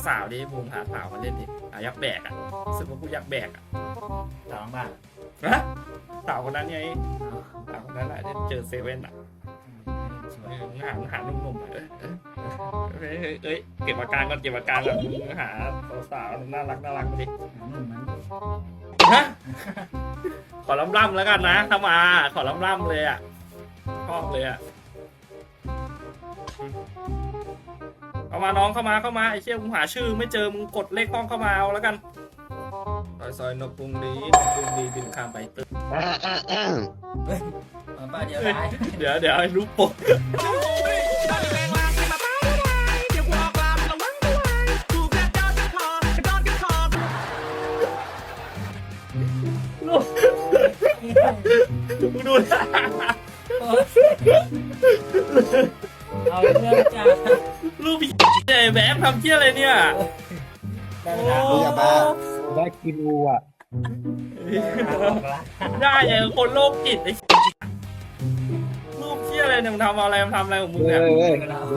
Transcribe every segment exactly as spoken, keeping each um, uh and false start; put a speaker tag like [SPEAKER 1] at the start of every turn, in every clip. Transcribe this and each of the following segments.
[SPEAKER 1] สาวดิบูมหาสาวมาเล่นดิหายักษ์แบกอ่ะรู้สึกว่ากูยักษ์แบกอ่ะ
[SPEAKER 2] สาวบ้าน
[SPEAKER 1] ฮะสาวคนนั้นไงสาวคนนั้นแหละที่เจอเซเว่นอ่ะเออหาหาหนุ่มๆเออเอ้ยเอ้ยเอ้ยเก็บอาการก่อนเก็บอาการก่อนหาสาวๆน่ารักน่ารักมาดิ
[SPEAKER 2] หนุ่มมัน
[SPEAKER 1] ฮะขอล่ำล่ำแล้วกันนะถ้ามาขอล่ำล่ำเลยอ่ะชอบเลยอ่ะเข้ามาน้องเข้ามาเข้ามาไอ้เชี่ยมึงหาชื่อไม่เจอมึงกดเลขห้องเข้ามาเอาแล้วกันซอยซอยนกกรุงดีนกกรุงดีบินข้ามไปตึก
[SPEAKER 2] มาป้าเดียวได้
[SPEAKER 1] เดี๋ยวเดี๋ยวให้รู้ปกมึงดูนะ
[SPEAKER 2] เอาเรื่องจ้า
[SPEAKER 1] รูปใหญ่แบบทำเชี่ยอะไรเนี่ย
[SPEAKER 2] ได้เวลา
[SPEAKER 1] โอ้
[SPEAKER 3] อย่าบ้าได้กินอูอ่ะ
[SPEAKER 1] ได้ไงคนโรคจิตไอ้รูปเชี่ยอะไรเนี่ยมึงทำอะไรมึงทำอะไรของมึง
[SPEAKER 3] เฮ้
[SPEAKER 1] เนี่ย
[SPEAKER 3] ยเฮ้ย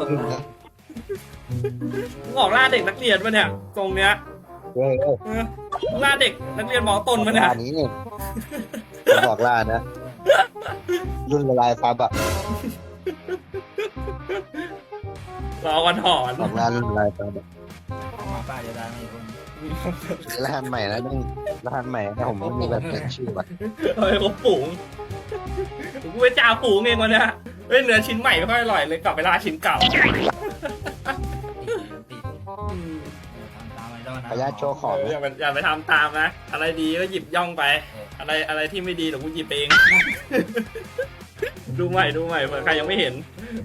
[SPEAKER 1] มึงออกล่าเด็กนักเรียนปะเนี่ยตรงเนี้ย
[SPEAKER 3] เฮ้ยเฮ้ย
[SPEAKER 1] เออมึงล่าเด็กนักเรียนมอต้นปะเนี่ย
[SPEAKER 3] ล่านี้เนี่ยบอกล่านะ รุ่นละลายซับอ่ะ
[SPEAKER 1] รอวันถอน
[SPEAKER 3] บอกล่ารุ่นละลายซับอะ
[SPEAKER 2] มาป้าเดียวได้ไม่คน
[SPEAKER 3] รหัสใหม่แล้วนี่รหัสใหม่นะผมไม่มีแบบเปลี่ยนชื่อว่ะ
[SPEAKER 1] เฮ้ยเขาฝูงกูไปจ่าฝูงเองวันเนี้ยเฮ้ยเนื้อชิ้นใหม่ไม่ค่อยอร่อยเลยกลับไปล่าชิ้นเก่า
[SPEAKER 2] ติดติดทำตามไอ้ดอน
[SPEAKER 3] ขออนุญาตโชว์ของ
[SPEAKER 1] เอออย่าไปอย่าไปทำตามนะอะไรดีก็หยิบย่องไป อะไรอะไรที่ไม่ดีเดี๋ยวกูหยิบเอง ดูใหม่ดูใหม่เผื่อใครยังไม่เห็น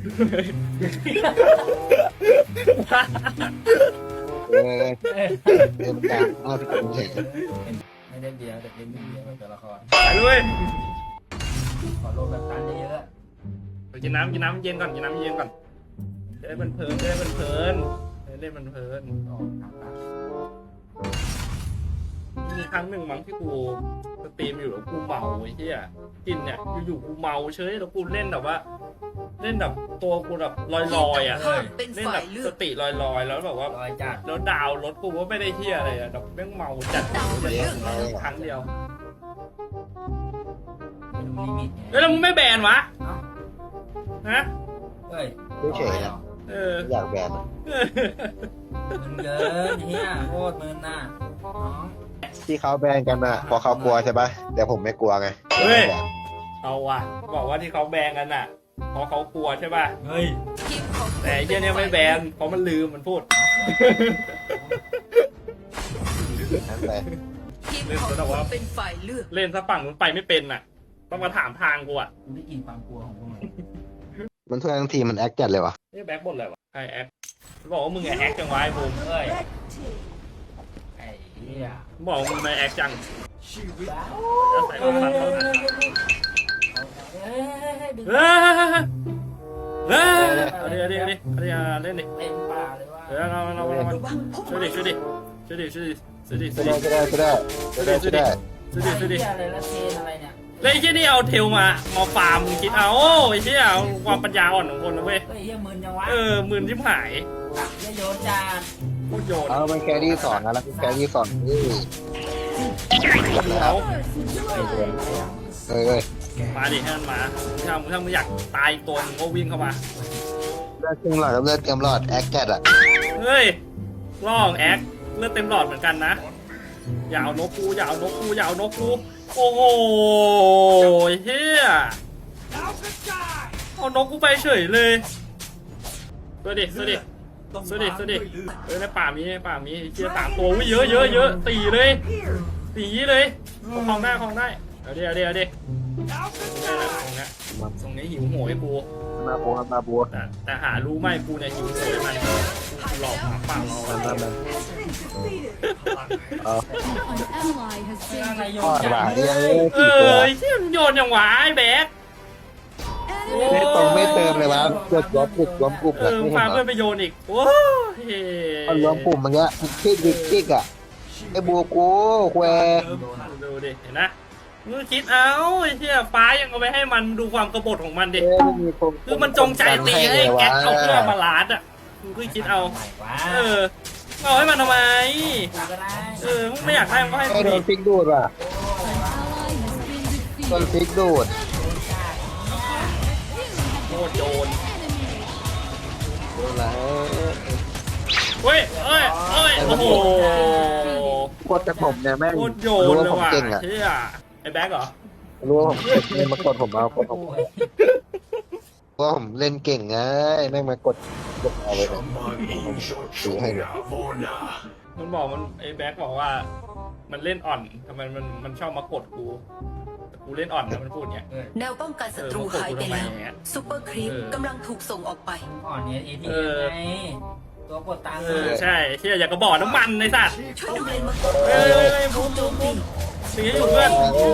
[SPEAKER 3] เออเต็มกลางเอาพี่ผมเฉย
[SPEAKER 2] ไม่ได้เดียวแต่เป็นเดียวแต่ละคร
[SPEAKER 1] ไปด้วย
[SPEAKER 2] ขอโลแบบตันเยอะ
[SPEAKER 1] ไปกินน้ำกินน้ำเย็นก่อนกินน้ำเย็นก่อนจะได้มันเพลินจะได้มันเพลินจะได้มันเพลิน
[SPEAKER 2] ๆออกทางตา
[SPEAKER 1] มีครั้งหนึ่งมั้งที่กูสตรีมอยู่แล้วกูเมาไอ้เหี้ยกินเนี่ยอยู่ๆกูเมาเฉยแล้วกูเล่นแบบว่า เล่นแบบตัวกูแบบลอยๆอ่ะ
[SPEAKER 4] เป็น
[SPEAKER 1] เล่น
[SPEAKER 4] ฝ่า
[SPEAKER 1] แบ
[SPEAKER 4] ย
[SPEAKER 1] บ
[SPEAKER 4] เลื
[SPEAKER 1] ส
[SPEAKER 4] อก
[SPEAKER 1] ติลอยๆแล้วแบบว่า
[SPEAKER 2] ลอยจัด
[SPEAKER 1] แล้วดาวรถกูก็ไม่ได้เที่ยอะไรอะแบบแม่งเมาจัดครั้งเดียว
[SPEAKER 2] ไม่รู้ลิมิต
[SPEAKER 1] เฮ้ยแล้วมึงไม่แบนวะฮะ
[SPEAKER 2] เฮ้ย
[SPEAKER 3] เฉยๆนะ
[SPEAKER 1] เออ
[SPEAKER 3] อยากแบนอะ
[SPEAKER 2] มึนเกินเฮียโคตรมึนน่ะน้อง
[SPEAKER 3] ที่เขาแบนกันอ่ะเพอเขากลัวใช่ปะแต่ผมไม่กลัวไง
[SPEAKER 1] เฮ้ยเอาว่ะบอกว่าที่เขาแบนกันอ่ะเพราะเขากลัวใช่ป่ะ
[SPEAKER 2] เฮ้ย
[SPEAKER 4] ทีมของ
[SPEAKER 1] แต่ไอ้เหี้ยเนี่ยไม่แบนเพราะมันลืมมันพูด
[SPEAKER 3] นั่นแหละ
[SPEAKER 4] ทีมของคุณเป็นฝ่ายเลือก
[SPEAKER 1] เล่นซะฝั่งมันไปไม่เป็นน่ะ ต้องมาถามทางกูอ่ะ
[SPEAKER 2] กูได้กินความกลัวของพวกมึง
[SPEAKER 3] มันทุกทั้งทีมันแอคจัดเลยวะ
[SPEAKER 1] นี่แบ็คบนอะไรวะใครแอคบอกว่ามึงไงแอคจังวะไอ้บูม
[SPEAKER 2] เฮ้ยไอ้เหี้ย
[SPEAKER 1] บอกว่ามึงไม่แอคจังจะใส่
[SPEAKER 2] เฮ้ย
[SPEAKER 1] ฟัน
[SPEAKER 2] เฮ้
[SPEAKER 1] เขา
[SPEAKER 2] ย
[SPEAKER 1] หน่อย
[SPEAKER 2] เฮ้ยดึง
[SPEAKER 1] เฮ้ยเฮ้ยเอาดิเอาดิเอาดิเอาดิเอาเล่นดิ
[SPEAKER 2] เต็มป่าเลยว่า
[SPEAKER 1] เดี๋ยวเราเราเราช่วยดิช่วยดิช่วยดิช่วยดิช่วยดิช่วยดิ
[SPEAKER 3] ก็ได้ก็ได้ก็ได้ก็ได้ก็ได้
[SPEAKER 1] ช่วยดิช่วยดิ
[SPEAKER 2] เหี้ยอะไรละเทนอะไรเนี่ย
[SPEAKER 1] แล้วไอ้เชี่ยนี่เอาเทลมามาฟาร์มมึงคิดเอาไอ้เชี่ยเอาความปัญญาอ่อนของคนนะเว้ย
[SPEAKER 2] เฮ้ยเหี้ยมึนจังวะ
[SPEAKER 1] เออหมื่นชิบหาย
[SPEAKER 2] เหี้ยโยนจาน
[SPEAKER 1] โคตรโยน
[SPEAKER 3] เอามันแครี่สอนนะแล้วแครี่สอนนี่จบแล้
[SPEAKER 1] เอา
[SPEAKER 3] วเอ้ยเอ้ย
[SPEAKER 1] มาดิให้มันมาถ้ามึงถ้ามึงอยากตายอีกตัวมึงก็วิ่งเข้ามา
[SPEAKER 3] เลือดเต็มหลอดกับเลือดเต็มหลอดแอคแกตอ่ะ
[SPEAKER 1] เฮ้ยล่องแอคเลือดเต็มหลอดเหมือนกันนะอย่าเอานกกูอย่าเอานกกูอย่าเอานกกูโอ้โหเฮียเอานกกูไปเฉยเลยสวัสดีสวัสดีสวัสดีสวัสดีเออในป่ามีในป่ามีเชียสามตัววิ่งเยอะเยอะเยอะตีเลยตีเลยคลองได้คลองได้เอาดิเอาดิเอาดิได้ละตรงเนี้ยตรงนี้หิวโหยกู
[SPEAKER 3] มาบัวมาบัว
[SPEAKER 1] แต่แต่หารู้ไหมกูเนี่ยหิวโหยมันกูหลอกหมาป่าเรา
[SPEAKER 3] มามามาเอา
[SPEAKER 5] An ally has
[SPEAKER 2] อะไร
[SPEAKER 5] been
[SPEAKER 2] โย
[SPEAKER 3] ทอน ด
[SPEAKER 2] จา
[SPEAKER 3] หวาน นเนี่ย
[SPEAKER 1] เออไอ้เชี่ยมันโยนอย่างหวาไอ้แบ๊ก
[SPEAKER 3] ไม่ตรงไม่เติมเลยวะเกิดล้มกลุ่มล้มกลุ่ม
[SPEAKER 1] เอ
[SPEAKER 3] แบบ
[SPEAKER 1] อ
[SPEAKER 3] ไม่
[SPEAKER 1] พา
[SPEAKER 3] เห็นเหร
[SPEAKER 1] เพื่อ
[SPEAKER 3] อน
[SPEAKER 1] ไปโยนอีกโอ้ย
[SPEAKER 3] ตอนล้มกลุ่มมันเงี้ยคิกดิคิกอ่ะไอ้บัวกูแคว
[SPEAKER 1] ดูดิเห็นนะมึงคิดเอาไอ้เชี่ยฟ้ายังเอาไปให้มันดูความกบฏของมันดิ
[SPEAKER 3] เอ้ยไม่มีคน
[SPEAKER 1] คือมันจงใจตีให้แก๊กเอาเพื่อมาลาดอ่ะมึงคือคิดเอา
[SPEAKER 2] ใหม่กว่า
[SPEAKER 1] เออเอาให้มันทำไม
[SPEAKER 2] กูก็ได้
[SPEAKER 1] เออมึงไม่อยากได้มึงก็ให้
[SPEAKER 3] ไอ้
[SPEAKER 1] กู
[SPEAKER 3] โด
[SPEAKER 1] ดิ
[SPEAKER 3] นฟิกดูดว่ะโดนฟิกดูด
[SPEAKER 1] โคตรโจร
[SPEAKER 3] โดนแล้ว
[SPEAKER 1] เฮ้ยเอ้ยเอ้ยโอ้โห
[SPEAKER 3] กดจากผมเนี่ยแม่ง
[SPEAKER 1] โคตรโย
[SPEAKER 3] รู้
[SPEAKER 1] น
[SPEAKER 3] ว่า
[SPEAKER 1] เลย
[SPEAKER 3] ผม
[SPEAKER 1] ว่ะ
[SPEAKER 3] เก่งอ่ะ
[SPEAKER 1] เชี่ยไอ้แบ็คเหรอ
[SPEAKER 3] รู้ว่าผมเก่งมากดผมเอากดผม
[SPEAKER 2] โอ้ย
[SPEAKER 3] เพราะผมเล่นเก่งไงแม่งมากดกดเอาเลยนะถือให้เลย
[SPEAKER 1] มันบอกมันไอ้แบ็คบอกว่า มันเล่นอ่อนทำไมมันมันชอบมากดกูแต่กูเล่นอ่อนนะมันพูดเนี้ย
[SPEAKER 2] เออ
[SPEAKER 4] แนวป้องกันศัตรูหายไปแล้วซูเปอร์ครีป
[SPEAKER 1] เออ
[SPEAKER 4] กำลังถูกส่งออกไป
[SPEAKER 2] อ่อนเนี่ยเอที
[SPEAKER 1] เอ
[SPEAKER 2] เอ็ม
[SPEAKER 1] อ
[SPEAKER 2] ไงตัวกดตังค์
[SPEAKER 1] เออใช่เชี่ยอยากกระบอกน้ำมันในสัตว์
[SPEAKER 4] ช่วยดูเลนมังกร
[SPEAKER 1] เฮ้ยเฮ้ยเฮ้ยบูมบูมบูมสีอยู่เพื่อน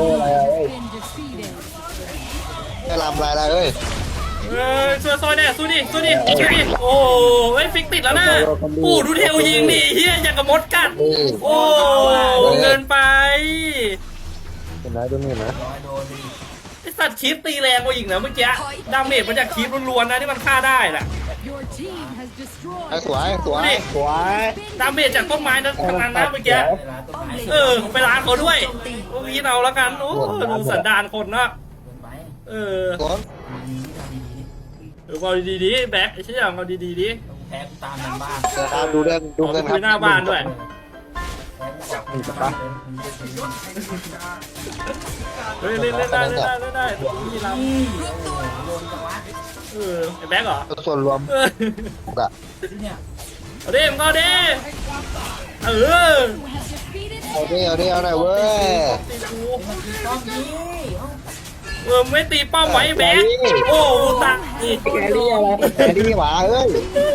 [SPEAKER 3] จะลำลายอะไรเอ้ย
[SPEAKER 1] เฮ้ยช่วยซอยแน่สู้ดิสู้ดิสู้ดิโอ้เฮ้ยฟิกติดแล้วนะโอ้ดูเทลยิงดิเฮียอยากกระมดกัด
[SPEAKER 3] นี่
[SPEAKER 1] โอ้เกินไป
[SPEAKER 3] เห็นไหมดูนี่นะ
[SPEAKER 2] ร้อยโดนดิ
[SPEAKER 1] ไอสัตว์คีปตีแรงกว่าอีกนะเมื่อกี้ดาเมจมาจากคีปล้วนๆนะที่มันฆ่าได้แหละ
[SPEAKER 3] ไอ้สวยสวยสวย
[SPEAKER 1] ดาเมจจากต้นไม้นั้นทั้งนั้นนะเมื่อกี้
[SPEAKER 2] เวลาต้นไม้
[SPEAKER 1] เออไปล้างเขาด้วยโอ้ยเอาแล้วกันโอ้ดูสันดานคนนะ
[SPEAKER 2] เกินไป
[SPEAKER 1] เออ
[SPEAKER 3] สวน
[SPEAKER 2] ดีๆทำดี
[SPEAKER 1] เออเอาดีๆดิแบ็คไอ้เชี่ยเอาดีๆดิ
[SPEAKER 2] ๆต้องแพ้กูตามกันบ้าน
[SPEAKER 3] เดี๋ยวตามดูเรื่องดูเรื่องครับ
[SPEAKER 1] คุยหน้าบ้านด้วย
[SPEAKER 2] แพ้กูบอกกูตามเลย
[SPEAKER 1] เฮ้ยเล่นเล่นได้เล่นได้เล่นได้นี่เรา
[SPEAKER 2] นี่โอ้โหโดนจังวะ
[SPEAKER 1] เออไอ้แบ็คเหรอ
[SPEAKER 3] ส่วนรวม
[SPEAKER 1] เออ
[SPEAKER 3] อะ
[SPEAKER 2] ที่เนี่ย
[SPEAKER 1] เอาดิมงก็เอาดิเออ
[SPEAKER 3] เอาดิเอาดิเอาหน่อยเว้ย
[SPEAKER 1] ตีกู
[SPEAKER 2] มันคือต้องนี้เอ้า
[SPEAKER 1] เออไม่ตีเป้าไว้แบ็คโอ้ตาย
[SPEAKER 3] แกรี่อะไรแกรี่หวาเอ้ย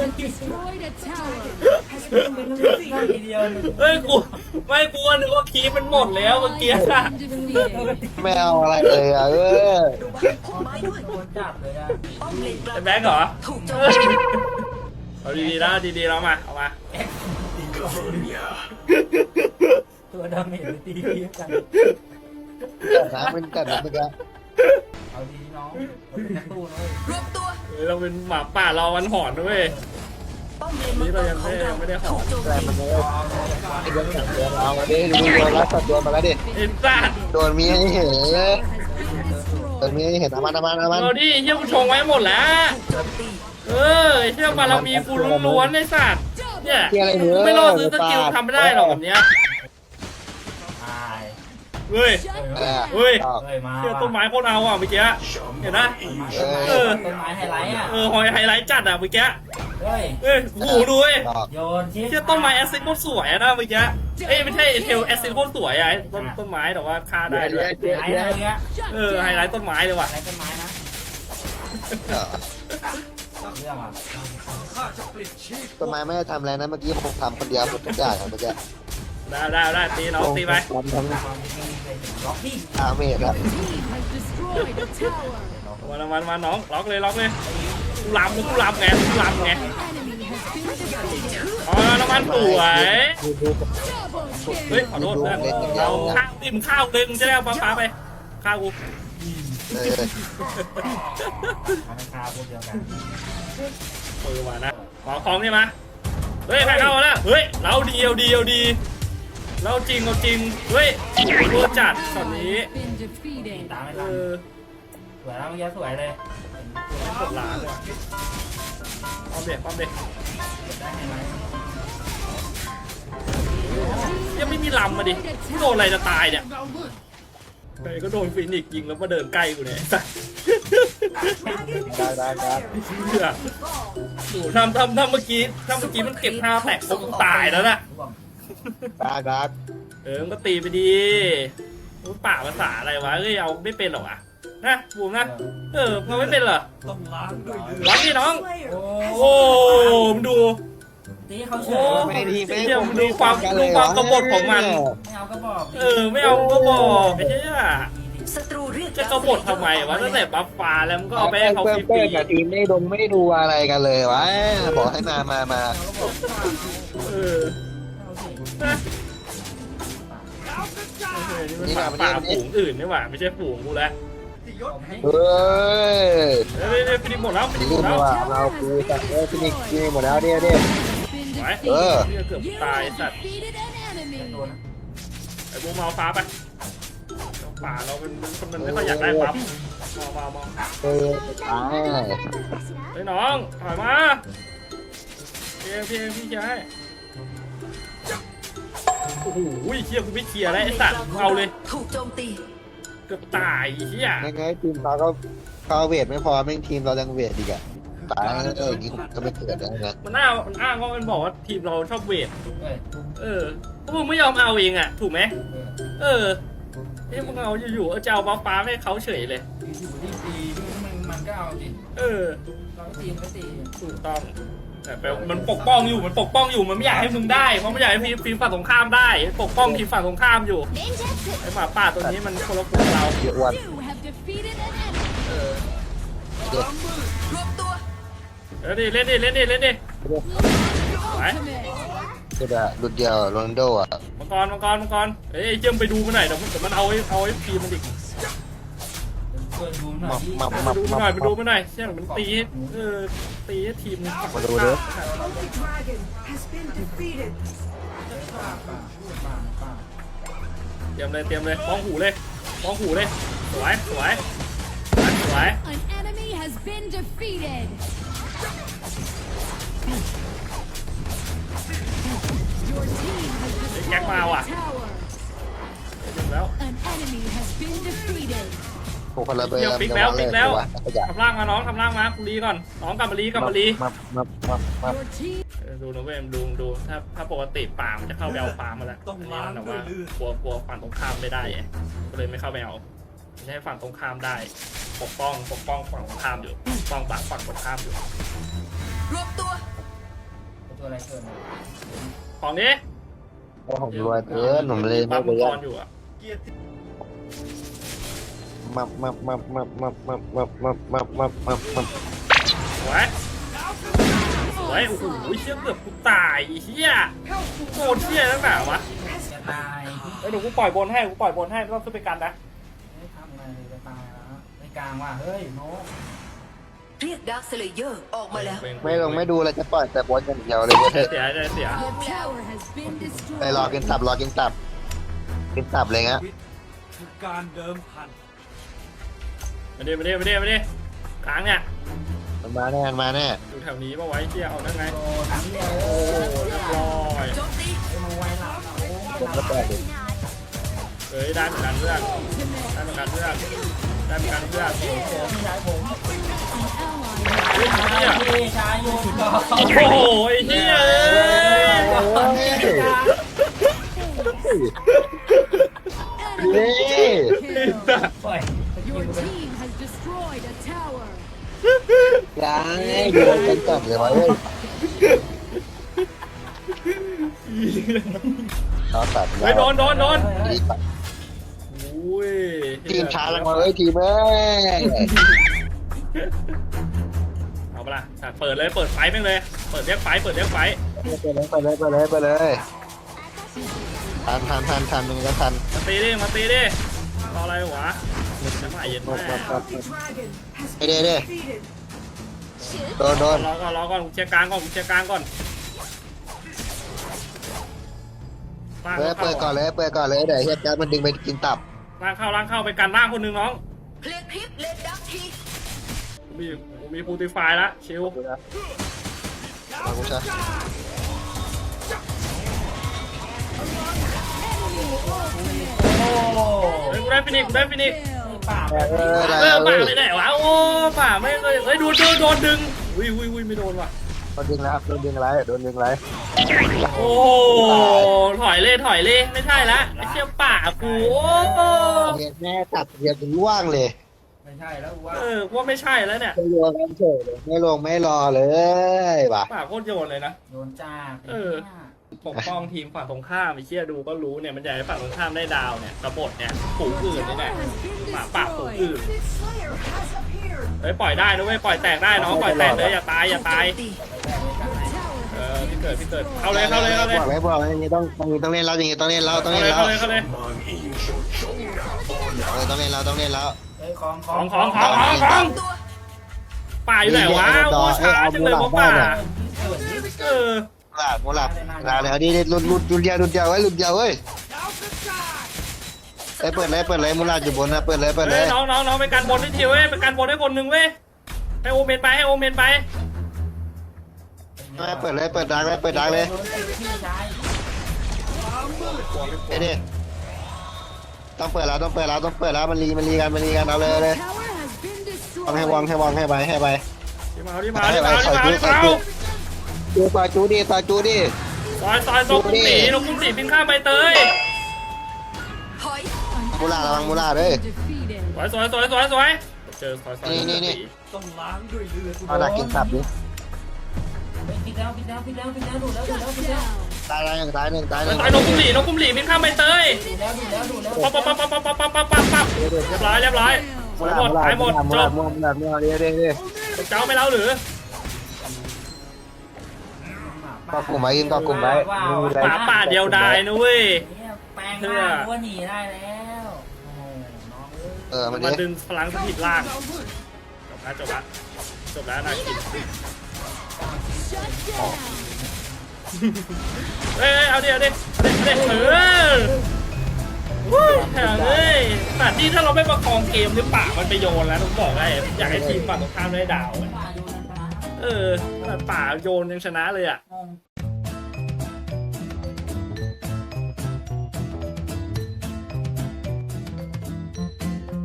[SPEAKER 2] ต้องทีเดียวเลย
[SPEAKER 1] เฮ้ยกูไม่กลัวนึกว่าคีย์มันหมดแล้วเมื่อกี้อะ
[SPEAKER 3] ไม่เอาอะไรเลยอ่ะเออ
[SPEAKER 4] ดูบ้านพุ่มไม้ด้วย
[SPEAKER 2] โดนจับเลยอะ
[SPEAKER 4] ป้อมเลนกลา
[SPEAKER 1] ไอ้
[SPEAKER 4] ง
[SPEAKER 1] แบ็คเหรอ
[SPEAKER 4] ถูกโจ
[SPEAKER 1] เอ
[SPEAKER 4] ม
[SPEAKER 1] อ
[SPEAKER 4] ตี
[SPEAKER 1] เอาดีๆแล้วดีๆแล้วมาเอามา
[SPEAKER 2] ตัวดาเมจไปตีกัน
[SPEAKER 3] น้ำเป็นกันนะเมื่อกี้
[SPEAKER 2] เอาดีน้องเราเป็นนักสู้นะเว้ย
[SPEAKER 4] รวมตัว
[SPEAKER 1] เออเราเป็นหมาป่ารอวันหอนด้วย
[SPEAKER 4] ป้อมเลนมังกรของเราถูกโจม
[SPEAKER 3] แต่
[SPEAKER 4] ตี
[SPEAKER 3] มันเลย
[SPEAKER 2] เอาเลย
[SPEAKER 3] ไอ้เรื่องหนังเรื่องเอามาดิดูโดนแล้วสัตว์โดนมาแล้วดิ
[SPEAKER 1] เอ็นซ่า
[SPEAKER 3] โดนมีให้เห็นโดนมีให้เห็นอามันอามันอามัน
[SPEAKER 1] เราดิเฮียกูชงไว้หมดแล้ว
[SPEAKER 4] โจมตี
[SPEAKER 1] เออเฮียบารมีกูล้วนๆไอ้สัตว์เนี่ย
[SPEAKER 3] ที่อะไรเนื้
[SPEAKER 1] กู
[SPEAKER 3] อ
[SPEAKER 1] ไม่รอดซื้อสกิลทำไม่ได้หรอกแบบเนี้ย
[SPEAKER 2] ตาย
[SPEAKER 1] เฮ้ย
[SPEAKER 3] เออ
[SPEAKER 1] เฮ้ย
[SPEAKER 3] เอา
[SPEAKER 2] เฮ้ยมา
[SPEAKER 1] เฮียต้นไม้โคตรเอาอ่ะเมื่อกี้เห็นนะ
[SPEAKER 3] เออ
[SPEAKER 2] ต้นไม้ไฮไลท์อ่ะ
[SPEAKER 1] เออหอยไฮไลท์จัดอ่ะเมื่อกี้
[SPEAKER 2] เฮ้ย
[SPEAKER 1] เอ้ยโอ้โหดูเว้ย
[SPEAKER 3] ดอก
[SPEAKER 2] โยนชิ้น
[SPEAKER 1] เฮียต้นไม้แอสซิดโคตรสวยอะนะเมื่อกี้เอ้ยไม่ใช่เทลแอสซิดโคตรสวยอ่ะไอ้ต้นต้นไม้แต่ว่าฆ่าได้ด้วย
[SPEAKER 2] ไฮไลท์อะไรเงี้ย
[SPEAKER 1] เออไฮไลท์ต้นไม้เลยว่ะ
[SPEAKER 2] ไฮไลท์ต้นไม้นะ
[SPEAKER 3] เออ
[SPEAKER 2] เรื่องอ่ะ
[SPEAKER 3] ต้นไม้ไม่ได้ทำอะไรนะเมื่อกี้ผมทำคนเดียวหมดทุกอย่างอะเมื่อกี้
[SPEAKER 1] ได้ได้ได้ตีน้องตีไป
[SPEAKER 3] ทำทั้ง
[SPEAKER 2] ความจริงเลยล็อกที่
[SPEAKER 3] อาเมดอะ
[SPEAKER 1] มามามาน้องล็อกเลยล็อกเลยกูลำกูลำไงกูลำไงอ๋อน้ำมันสวย
[SPEAKER 3] ดูดู
[SPEAKER 1] เฮ้ยขอโทษเพื่อนเราข้าวติ่มข้าวหนึ่งจะได้เอาปลาปลาไปข้าวกู
[SPEAKER 3] เออ
[SPEAKER 2] ทำให้คาพวกเดียวกัน
[SPEAKER 1] เออมานะขอของนี่มาเฮ้ยใครเข้ามาแล้วเฮ้ยเราดีเอาดีเอาดีเราจริงเอาจริงเฮ้ยตัวจัดตอนนี้
[SPEAKER 2] ตามไม่
[SPEAKER 1] เอ
[SPEAKER 2] ทัน
[SPEAKER 1] อ
[SPEAKER 2] สวยแล้วเมื่อกี้สวยเลย
[SPEAKER 1] กดล้านเลยป้อมเด็กป้อมเด็ก
[SPEAKER 2] ได้ไฮไลท์
[SPEAKER 1] ยังไม่มีลำมาดิโดนอะไรจะตายเนี่ยใครก็โดนฟินิกซ์ยิงแล้วมาเดินใกล้กูเนี่ย
[SPEAKER 3] ได้ได้ได้
[SPEAKER 1] เชื่อโอ้ทำทำทำเมื่อกี้ทำเมื่อกี้มันเก็บท่าแตกผมตายแล้วนะ
[SPEAKER 3] ได้ได้
[SPEAKER 1] เออมันก็ตีไปดีโอ้ป่าภาษาอะไรวะเอ้ยเอาไม่เป็นหรอวะนะบูมนะเออมันไม่เป็นเหรอร้อนดิน้อง
[SPEAKER 2] โอ้
[SPEAKER 1] โอ้มงดู
[SPEAKER 2] ตีเขาเฉ
[SPEAKER 1] โอ้
[SPEAKER 2] ย
[SPEAKER 3] ไม่ดีไม่
[SPEAKER 1] เดี๋ยวมึงดูความดูความกบฏของมัน
[SPEAKER 2] ไม่เอาก็บอก
[SPEAKER 1] เออไม่เอาก็บอกไอ้เหี้ย
[SPEAKER 4] ศัตรูเรียก
[SPEAKER 1] จะกบฏทำไมวะตั้งแต่บัฟฟ้าแล้วมันก็เอาไปให้เขาฟ
[SPEAKER 3] เพื่อน
[SPEAKER 1] รี
[SPEAKER 3] กับทีมไม่ดงไม่ดูอะไรกันเลยวะบอกให้มามามา
[SPEAKER 1] ๆเออนะเออนี่มันป่าป่าฝูงอื่นนี่หว่าไม่ใช่ฝูงกูแล้ว
[SPEAKER 3] เฮ้ย
[SPEAKER 1] เฮ้ยเฮ้ยฟินิกหมดแล้วฟินิกห
[SPEAKER 3] รี
[SPEAKER 1] ม
[SPEAKER 3] บ
[SPEAKER 1] ดแล้ว
[SPEAKER 3] มาเราคุยกันเออฟินิกฟินิกหมดแล้วเดี๋ยวเดี๋ยว
[SPEAKER 1] ไปวย
[SPEAKER 3] เออ
[SPEAKER 1] เหี้ยเกือบ
[SPEAKER 5] You
[SPEAKER 1] ตาย
[SPEAKER 5] have
[SPEAKER 1] สัตว์
[SPEAKER 5] defeated an
[SPEAKER 2] โด
[SPEAKER 5] enemy.
[SPEAKER 2] นนะ
[SPEAKER 1] ไอ้บูมเอาฟ้าไปป่าเราเป็นคนมันไม่ค่อยอยากได้ปั๊บมองมองมอง
[SPEAKER 3] เออตาย
[SPEAKER 1] เฮ้ยน้องถอยมาเพียงเพียงพี่เคลียร์ให้โอ้โหเฮียกูไม่เคลียร์แล้วไอ้สัตว์เอาเลย
[SPEAKER 4] ถูกโจมตี
[SPEAKER 1] เกือบตายเฮีย
[SPEAKER 3] ไม่ไงทีมเขาก็เขาเวทไม่พอแม่งทีมเรายังเวทอีกอะตายเอออย่างนี้ก็ไม่เกิดแล้วนะ
[SPEAKER 1] มันอ้างมันอ้างว่ามันบอกว่าทีมเราชอบเวท
[SPEAKER 2] เอ้ย
[SPEAKER 1] เออพวกมึงไม่ยอมเอาเองอ่ะถูกไหม
[SPEAKER 2] เออ
[SPEAKER 1] เออเอ้ยมึงเอาอยู่ๆเอาจะเอาบ้าฟ้าให้เขาเฉยเลย
[SPEAKER 2] อยู่ที่ตีมันมันก็เอาดิ
[SPEAKER 1] เออ
[SPEAKER 2] เราก็ตีมันก็ตี
[SPEAKER 1] ถูกต้องแต่แปลว่ามันปกป้องอยู่มันปกป้องอยู่มันไม่อยากให้มึงได้เพราะไม่อยากให้ทีมฝั่งตรงข้ามได้ปกป้องทีมฝั่งตรงข้ามอยู่ไอ้หมาป่าตัวนี้มันคนละกลุ่มเรา
[SPEAKER 3] เยอะวัน
[SPEAKER 5] You have defeated an enemy.
[SPEAKER 1] เออ
[SPEAKER 4] รวมตัว
[SPEAKER 1] เล่นดิเล่นดิเล่นดิเล่นดิไป
[SPEAKER 5] Ultimate.
[SPEAKER 3] ก็แบบรุ่นเดียวโรนัลโดอ่ะ
[SPEAKER 1] มังกรมังกรมังกรเฮ้ยไอ้เจิ้มไปดูมันหน่อยเดี๋ยวมันเดี๋ยวมันเอาไอ้เอาไอ้พีมันอีก
[SPEAKER 2] ช่วยดูหน่อยดิ
[SPEAKER 3] มามา
[SPEAKER 1] มาดูมันหน่อยมาดูมันหน่อยเชี่ยมันตีให้เออตีให้ทีม
[SPEAKER 3] มาดูดิ
[SPEAKER 2] ป้าป้าป้าป้า
[SPEAKER 1] เตรียมเลยเตรียมเลยมองหูเลยมองหูเลยสวยสวยสวย
[SPEAKER 5] An enemy has been defeated. Your team has destroyed
[SPEAKER 1] Jack Mao à?
[SPEAKER 5] a tower.
[SPEAKER 1] ถึงแล้ว
[SPEAKER 5] An enemy has been defeated.
[SPEAKER 3] พวกคนละเบอร์
[SPEAKER 1] เดี๋ยวฟิกแล้วฟิกแล้ว
[SPEAKER 3] ขยะ
[SPEAKER 1] ทำร่างมาน้องทำร่างมากูรีก่อนน้องกลับมารีกลับมารี
[SPEAKER 3] มามามามา
[SPEAKER 5] Your team
[SPEAKER 1] เออดูนะเว้ยดูดูถ้าถ้าปกติป่ามันจะเข้าไปเอาฟ้ามาแล้วอันนี้มันแบบว่ากลัวกลัวฝั่งตรงข้ามไม่ได้ไงก็เลยไม่เข้าไปเอาไม่ให้ฝั่งตรงข้ามได้ ปกป้องปกป้องฝั่งตรงข้ามอยู่ปกป้องปากฝั่งตรงข้ามอยู่
[SPEAKER 4] รวมตัว
[SPEAKER 2] ตัวอะไรเกิน
[SPEAKER 1] ของนี้
[SPEAKER 3] เพราะผมรวยเกินผมเลยไม่
[SPEAKER 1] ปั๊ม
[SPEAKER 3] ไป
[SPEAKER 1] มังก
[SPEAKER 3] ยั
[SPEAKER 1] รอยู่อ่ะ
[SPEAKER 3] มามามามามามามามามามามามา
[SPEAKER 1] สวยสวยโอ้โหเชี่ยเกือบกูตายไอ้เฮียโคตรเชี่ยตั้งแต่วะ
[SPEAKER 2] จะตาย
[SPEAKER 1] เอ้ยเดี๋ยวกูปล่อยบนให้กูปล่อยบนให้ไม่ต้องขึ้นไปกันนะ
[SPEAKER 2] ไม่ทำอะไรเลยจะตายแล้วในกลางว่ะเฮ้ยโน้
[SPEAKER 4] เรียกดาร์คสเลเยอร์ออกมาแล้ว
[SPEAKER 3] ไม่ลงไม่ดูเลยจะปล่อยแต่บอลอย่างเดียวเลยเว้ย
[SPEAKER 1] เสียเสียเสีย
[SPEAKER 5] Your tower has been
[SPEAKER 3] ไป
[SPEAKER 5] destroyed.
[SPEAKER 3] รอกินตับรอกินตับกินตับเลยงะ
[SPEAKER 6] คือการเดิมพัน
[SPEAKER 1] มาดิมาดิมาดิมาดิค้างเนี่ย
[SPEAKER 3] มันมาแน่มันมาแน่
[SPEAKER 1] อยู่แถวนี้ป่ะไว้เชี่ยเอาได้ไง
[SPEAKER 2] โอ้ทั้งเดียว
[SPEAKER 1] โอ้เรียบร้อย
[SPEAKER 4] โจมตี
[SPEAKER 2] ไอ้มาไว้หลับโอ้
[SPEAKER 3] ผมก็แปลกดิ
[SPEAKER 1] เฮ้ยได้เหมือนกันเพื่อนได้เหมือนกันเพื่อนได้เหมือนกันเพื่อน
[SPEAKER 2] พี่ชายผม
[SPEAKER 5] An ally
[SPEAKER 1] เฮ้ยเฮีย
[SPEAKER 2] พี่ชายอยู่ก่อน
[SPEAKER 1] โอ้โหไอ้เฮียเอ้ย
[SPEAKER 3] นี่
[SPEAKER 5] kill.
[SPEAKER 2] ปล่อย
[SPEAKER 5] Your team has destroyed a tower.
[SPEAKER 3] ยังโดนกันตับเลยวะเว้ยเอาตัด
[SPEAKER 1] เฮ้ยโดนโดนโดน
[SPEAKER 3] นี่ตัด
[SPEAKER 1] อุ้ย
[SPEAKER 3] ทีมช้าลงมาเว้ยทีมเอ้ย
[SPEAKER 1] เอาปะล่ะอ่ะเปิดเลยเปิดไฟแม่งเลยเปิดเรียกไฟเปิดเรียกไฟ
[SPEAKER 3] ไปเลยไปเลยไปเลยไปเลยทันทันทันทันมันก็ทัน
[SPEAKER 1] มาตีดิมาตีดิรออะไรวะจะมาเย็น
[SPEAKER 3] มา
[SPEAKER 1] แม่
[SPEAKER 3] มามาไอเด้เด้โดนโดน
[SPEAKER 1] รอก่อนรอก่อนกูเชียร์กลางก่อนกูเชียร์กลางก่อน
[SPEAKER 3] เปิดเปิดก่อนเลยเปิดก่อนเลยเดี๋ยวเฮียแจ๊ดมันดึงไปกินตับ
[SPEAKER 1] ล่างเข้าล่างเข้าไปกันล่างคนหนึงน้อง
[SPEAKER 4] เพลียงพริบเลนดักที
[SPEAKER 1] กูมีกูมีพูติฟายแล้วชิว
[SPEAKER 3] มากูช้า
[SPEAKER 2] โอ้
[SPEAKER 1] เฮ้ยกูได้ฟินิกกูได้ฟินิก
[SPEAKER 2] ปาก
[SPEAKER 3] เออ
[SPEAKER 1] เอ
[SPEAKER 3] ได้
[SPEAKER 1] อ
[SPEAKER 3] เล
[SPEAKER 1] ป่าย ไปไหนวะโอ้ป่าไม่เคยเฮ้ยดูดูโดนดึงอุ้ยอุ้ยอุ้ยไม่โดนว่ะ
[SPEAKER 3] โดนดึงแล้วโดนดึงไรโดนดึงไร
[SPEAKER 1] โอ้ถอยเลยถอยเลยไม่ใช่ละไอ้เชี่ยป่ากูโอ้
[SPEAKER 3] เฮียแม่ตัดเฮียถึงว่างเลย
[SPEAKER 2] ไม่ใช่แล้วว่า
[SPEAKER 1] เออว่าไม่ใช่แล้วเนี่ย
[SPEAKER 3] ไม่ลงกันเฉยเลยไม่ลงไม่รอเลยว่ะ
[SPEAKER 1] ป่าโคตรโยนเลยนะ
[SPEAKER 2] โดนจ้า
[SPEAKER 1] ปกป้องทีมฝั่งตรงข้ามไอ้เชี่ยดูก็รู้เนี่ยมันอยากให้ฝั่งตรงข้ามได้ดาวเนี่ยกบฏเนี่ยฝูงอื่นนี่แหละ หมาป่าฝูงอื่นเฮ้ยปล่อยได้นะเว้ยปล่อยแตกได้น้องปล่อยแตกเลยอย่าตายอย่าตาย
[SPEAKER 4] ถูกโจมตี
[SPEAKER 1] เออพี่เกิดพี่เกิดเข้าเลยเข้าเลยเข้าเลย
[SPEAKER 3] บอกเลยบอกเลยอย่างนี้ต้องอย่างนี้ต้องเล่นแล้วอย่างนี้ต้องเล่นแล้วต้อง
[SPEAKER 1] เข้า
[SPEAKER 3] เล่
[SPEAKER 1] เล
[SPEAKER 3] น
[SPEAKER 1] ย
[SPEAKER 3] แล้ว
[SPEAKER 1] เข้าเลยเข้าเลย
[SPEAKER 3] เออต้องเล่นแล้วต้องเล่นแล้ว
[SPEAKER 2] เฮ้ยของข
[SPEAKER 1] ข
[SPEAKER 2] อ
[SPEAKER 1] อง งของของของของ
[SPEAKER 4] ตัว
[SPEAKER 1] ป่าอยู่ไหนวะโอ้ช้าจังเลยวะป่าเออ
[SPEAKER 3] หลับหลับลาเลยเอาดิหลุดหลุดหลุดยาวหลุดยาวไว้หลุดยาวเว้ยไอ้เปิดเลยเปิดเลยมูลาอยู่บนนะเปิดเลยเปิดเล
[SPEAKER 1] เฮ้ย
[SPEAKER 3] ย
[SPEAKER 1] น้องน้องน้องไปกันบนให้ทีเว้ยไปกันบนให้คนหนึ่งเว้ยให้โอเมนไปให้โอเมนไป
[SPEAKER 3] เปิดเลยเปิดดังเลยเปิดดังเลย
[SPEAKER 2] พี่ชาย
[SPEAKER 3] ไอ้ดิต้องเปิดแล้วต้องเปิดแล้วต้องเปิดแล้วมันรีมันรีกันมันรีกันเอาเลยเลย
[SPEAKER 5] Tower has been
[SPEAKER 3] วางให้
[SPEAKER 5] destroyed.
[SPEAKER 3] วางให้วางให้ไปให้ไป
[SPEAKER 1] ที่มาที่มาที่มาที่มาที่มา
[SPEAKER 3] จูปาจูดิปาจูดิ
[SPEAKER 1] ซอยซอยซอยกุ้งตีนกกุ้งตีพินข้ามใบเตย
[SPEAKER 4] ถอย
[SPEAKER 5] An
[SPEAKER 3] มูลาระวัง
[SPEAKER 5] ally
[SPEAKER 3] มูลา
[SPEAKER 5] has
[SPEAKER 3] เลย
[SPEAKER 5] been defeated.
[SPEAKER 1] สวยสวยสวยสวยสวยเจอซอยซอย
[SPEAKER 3] นี่นี่นี่
[SPEAKER 6] ต้องล้างด้วยเลือด
[SPEAKER 3] เอาดักกินสับดิ
[SPEAKER 2] ปิดแล้วปิดแล้วปิดแล้วปิดแล้วดูแล้วดูแล้ว
[SPEAKER 5] Shut
[SPEAKER 2] ปิดแล้ว
[SPEAKER 5] down.
[SPEAKER 3] ตายหนึ่งตายหนึ่งตายหนึ่ง
[SPEAKER 1] ซอยนกกุ้งตีนกกุ้งตีพินข้ามใบเตย
[SPEAKER 2] ดูแล้วดูแล้วดูแล้ว
[SPEAKER 1] ปั๊บปั๊บปั๊บปั๊บปั๊บปั๊บปั๊บปั๊บปั๊บเรียบร้อยเรียบร้อยหมดหมดหายหมดจบ
[SPEAKER 3] มูลามูลาเดี๋ยวเดี๋ยวเดี๋ยว
[SPEAKER 1] เจ้าไม่เล่าหรือ
[SPEAKER 3] ก็กลุ่มไว้ยิงก็กลุ่มไว้
[SPEAKER 1] หมาป่าเดียวดายนะเว้ย
[SPEAKER 2] แปลงร่างตัวหนีได้แล้วโอ้โหน้องเอ้ย
[SPEAKER 3] เออมัน
[SPEAKER 1] มา
[SPEAKER 3] ดิ
[SPEAKER 1] ดึงพลังสถิตล่างจบแล้วจบแล้วจบแล้วนาคิน
[SPEAKER 5] Shut down.
[SPEAKER 1] เอ้ยเอาดิเอาดิเอาดิเอาดิเออวู้แถวเลยแต่ที่ถ้าเราไม่ประคองเกมหรือป่ามันไปโยนแล้วต้องบอกไงอยากให้ทีมฝั่งตรงข้ามได้ดาวอะ
[SPEAKER 2] ป่าโยนนะ
[SPEAKER 1] เออแต่ป่าโยนยังชนะเลยอ่ะ
[SPEAKER 2] งง